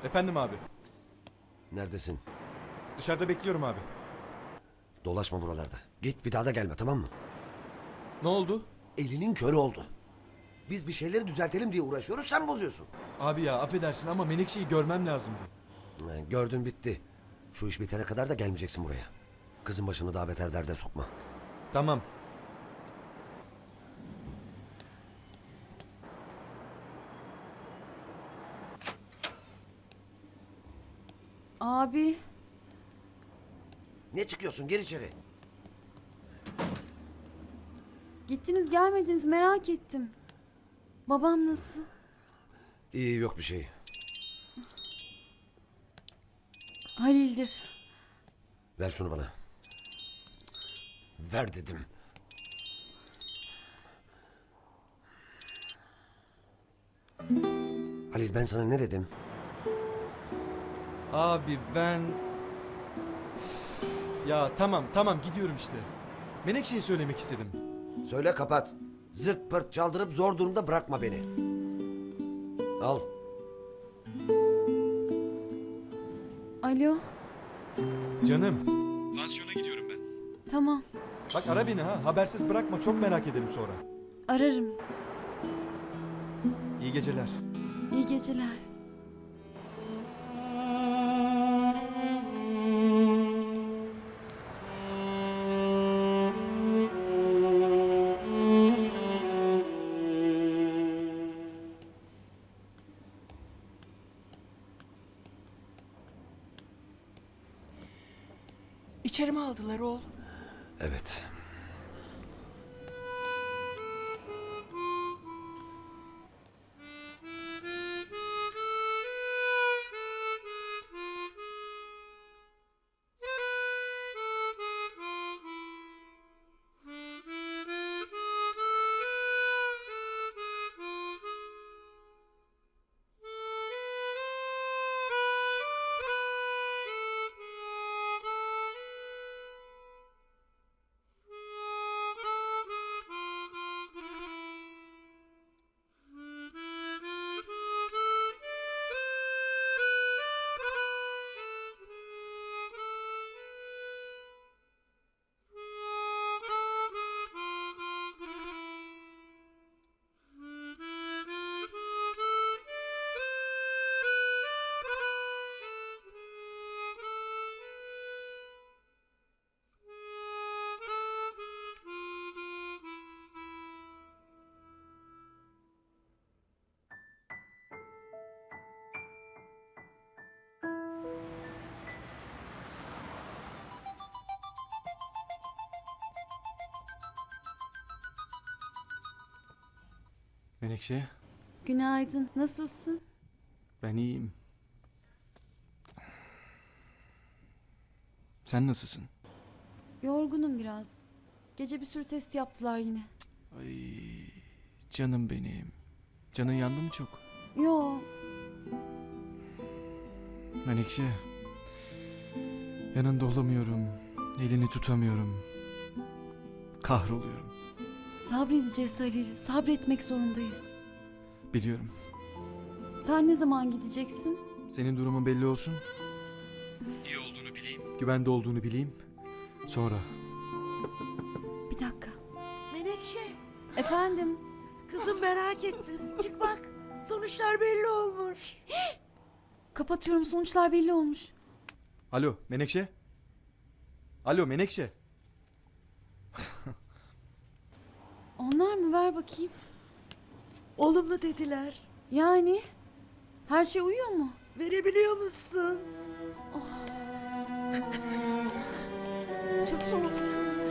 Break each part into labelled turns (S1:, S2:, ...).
S1: Efendim abi.
S2: Neredesin?
S1: Dışarıda bekliyorum abi.
S2: Dolaşma buralarda. Git bir daha da gelme, tamam mı?
S1: Ne oldu?
S2: Elinin körü oldu. Biz bir şeyleri düzeltelim diye uğraşıyoruz, sen bozuyorsun.
S1: Abi ya affedersin ama Menekşe'yi görmem lazımdı.
S2: Gördün bitti. Şu iş bitene kadar da gelmeyeceksin buraya. Kızın başını daha beter derde sokma.
S1: Tamam.
S3: Abi,
S2: Ne çıkıyorsun? Gir içeri.
S3: gittiniz gelmediniz merak ettim. Babam nasıl?
S2: İyi, yok bir şey.
S3: Halil'dir.
S2: Ver şunu bana. Ver dedim. Halil, ben sana ne dedim?
S1: Abi ben... Ya tamam gidiyorum işte. Menekşe'yi söylemek istedim.
S2: Söyle, kapat. Zırt pırt çaldırıp zor durumda bırakma beni. Al.
S3: Alo,
S1: Canım. Pansiyona gidiyorum ben.
S3: tamam
S1: Bak ara beni ha. Habersiz bırakma. Çok merak ederim sonra.
S3: ararım.
S1: İyi geceler.
S3: İyi geceler.
S4: İçeri mi aldılar oğlum?
S2: Evet.
S1: Menekşe,
S3: Günaydın, nasılsın?
S1: ben iyiyim. Sen nasılsın?
S3: Yorgunum biraz. Gece bir sürü test yaptılar yine.
S1: Ay, canım benim. Canın yandı mı çok?
S3: Yo,
S1: Menekşe, yanında olamıyorum. Elini tutamıyorum. Kahroluyorum.
S3: sabredeceğiz Halil. Sabretmek zorundayız.
S1: Biliyorum.
S3: Sen ne zaman gideceksin?
S1: Senin durumun belli olsun. İyi olduğunu bileyim. Güvende olduğunu bileyim. Sonra.
S3: Bir dakika.
S4: Menekşe,
S3: Efendim?
S4: kızım merak ettim. Çık bak, sonuçlar belli olmuş.
S3: Kapatıyorum, sonuçlar belli olmuş.
S1: Alo Menekşe. Alo Menekşe.
S3: Onlar mı? Ver bakayım.
S4: Olumlu dediler.
S3: Yani? Her şey uyuyor mu?
S4: Verebiliyor musun?
S3: Çok şükür.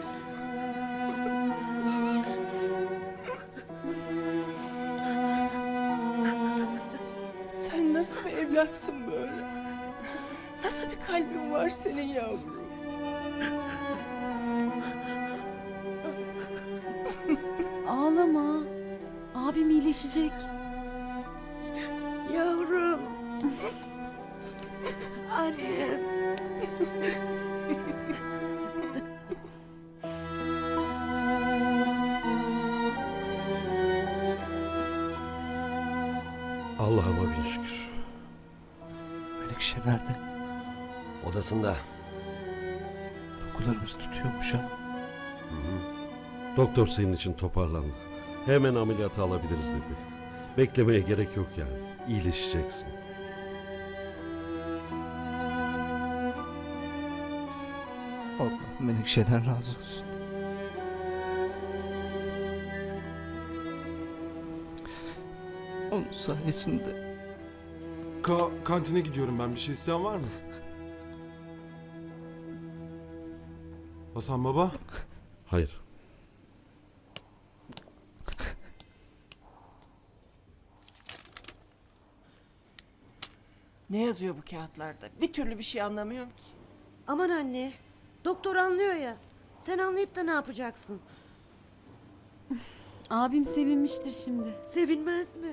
S4: Sen nasıl bir evlatsın böyle? Nasıl bir kalbin var senin yavrum?
S3: Ağlama. Abim iyileşecek.
S4: Yavrum. Annem.
S2: Allah'ıma bin şükür.
S5: nerede?
S2: Odasında.
S5: Dokularımız tutuyormuş ha.
S6: Doktor senin için toparlandı. Hemen ameliyata alabiliriz dedi. Beklemeye gerek yok yani. İyileşeceksin.
S5: Allah Menekşe'den razı olsun. Onun sayesinde
S1: Kantine gidiyorum ben. Bir şey isteyen var mı? Hasan baba.
S6: Hayır.
S4: Ne yazıyor bu kağıtlarda? Bir türlü bir şey anlamıyorum ki.
S7: Aman anne, doktor anlıyor ya. Sen anlayıp da ne yapacaksın?
S3: Abim sevinmiştir şimdi.
S7: Sevinmez mi?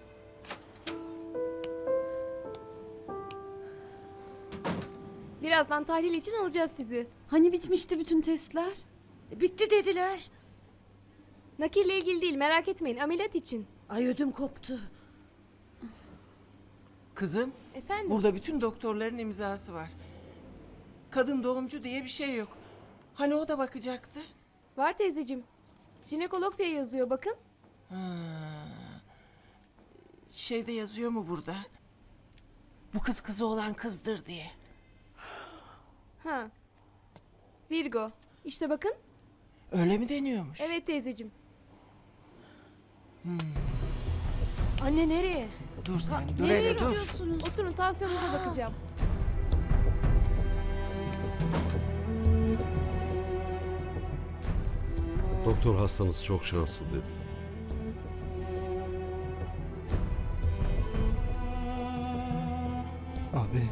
S8: Birazdan tahlil için alacağız sizi.
S3: Hani bitmişti bütün testler?
S7: Bitti dediler.
S8: Nakille ilgili değil, merak etmeyin, ameliyat için.
S7: Ay ödüm koptu.
S4: Kızım,
S8: Efendim?
S4: burada bütün doktorların imzası var. Kadın doğumcu diye bir şey yok. Hani o da bakacaktı?
S8: Var teyzeciğim. Jinekolog diye yazıyor bakın.
S4: Şeyde yazıyor mu burada? Bu kız kızı olan kızdır diye.
S8: Ha. Virgo. İşte bakın.
S4: Öyle mi deniyormuş?
S8: Evet teyzeciğim.
S7: Anne nereye?
S4: Dur sen, dur
S3: Nereye
S4: hele dur.
S3: gidiyorsunuz?
S8: Oturun, tansiyonunuza bakacağım.
S6: Doktor hastanız çok şanslı dedi.
S5: abi.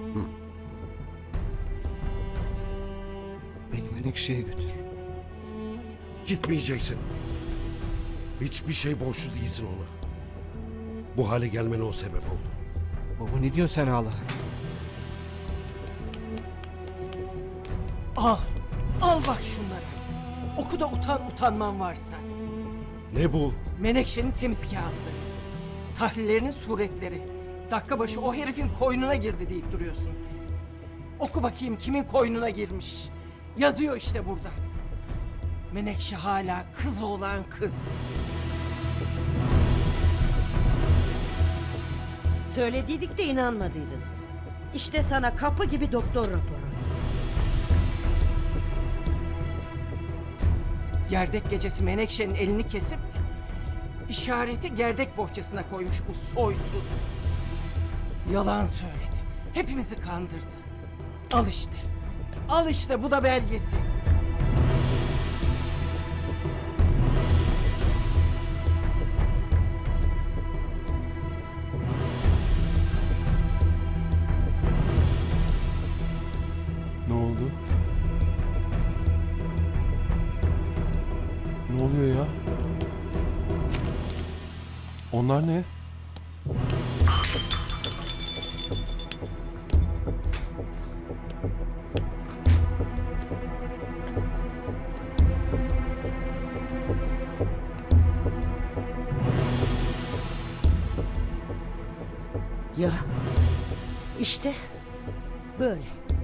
S5: Beni Menekşe'ye götür.
S6: Gitmeyeceksin. Hiçbir şey borçlu değilsin ona. Bu hale gelmene o sebep oldu.
S5: Baba ne diyorsun sen hala?
S4: Al, al bak şunları. Oku da utanman varsa.
S6: Ne bu?
S4: Menekşe'nin temiz kağıtları. Tahlillerinin suretleri. Dakika başı o herifin koynuna girdi deyip duruyorsun. Oku bakayım kimin koynuna girmiş. Yazıyor işte burada. Menekşe hala kız olan kız.
S7: Söylediydik de inanmadıydın. İşte sana kapı gibi doktor raporu.
S4: Gerdek gecesi Menekşe'nin elini kesip işareti gerdek bohçasına koymuş bu soysuz. Yalan söyledi. Hepimizi kandırdı. Al işte. Al işte bu da belgesi.
S1: Ne oldu? Ne oluyor ya? Onlar ne?
S7: Ya işte böyle.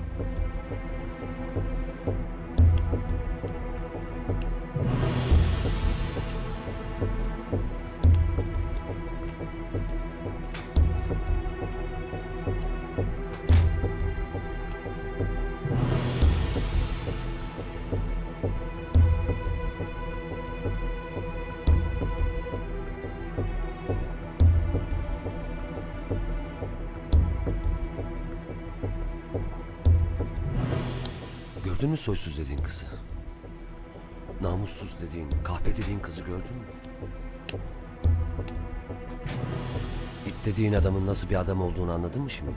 S2: Gördün mü soysuz dediğin kızı? Namussuz dediğin, kahpe dediğin kızı gördün mü? İt dediğin adamın nasıl bir adam olduğunu anladın mı şimdi?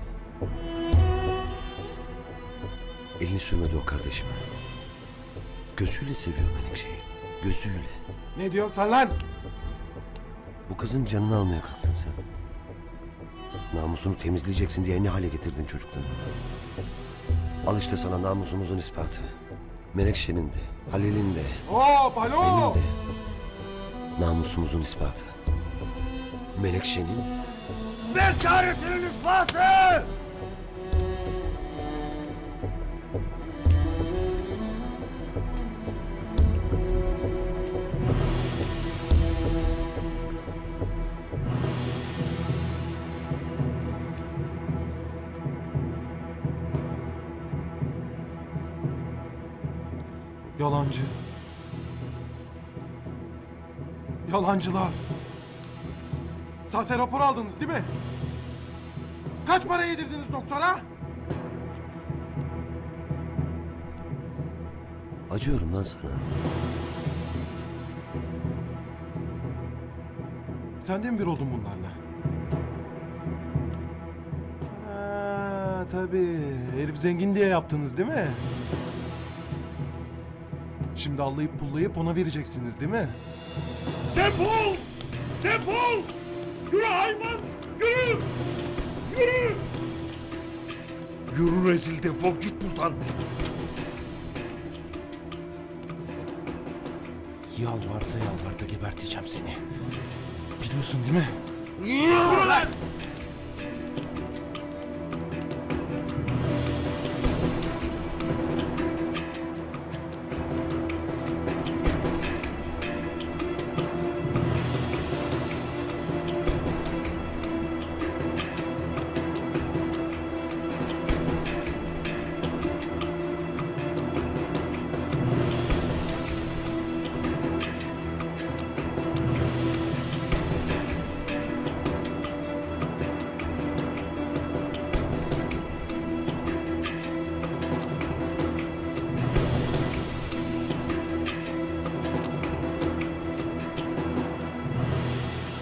S2: Elini sürmedi o kardeşime. Gözüyle seviyor Menekşe'yi. Gözüyle.
S1: Ne diyorsun sen lan?
S2: Bu kızın canını almaya kalktın sen. Namusunu temizleyeceksin diye ne hale getirdin çocuklarını. Al işte sana namusumuzun ispatı. Menekşe'nin de, Halil'in de,
S1: Hop alo!
S2: benim de. Namusumuzun ispatı. Menekşe'nin... Bekaretinin ispatı!
S1: Yalancı. Yalancılar. Sahte rapor aldınız değil mi? Kaç para yedirdiniz doktora?
S2: Acıyorum lan sana.
S1: Sen de mi bir oldun bunlarla? Ha, tabii. Herif zengin diye yaptınız değil mi? Şimdi allayıp pullayıp ona vereceksiniz değil mi?
S9: Defol! Defol! Yürü hayvan! Yürü! Yürü! Yürü rezil, defol git buradan.
S1: Yalvarta geberteceğim seni. Biliyorsun değil mi?
S9: Yürü lan!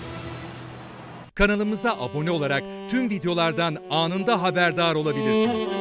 S10: Kanalımıza abone olarak tüm videolardan anında haberdar olabilirsiniz.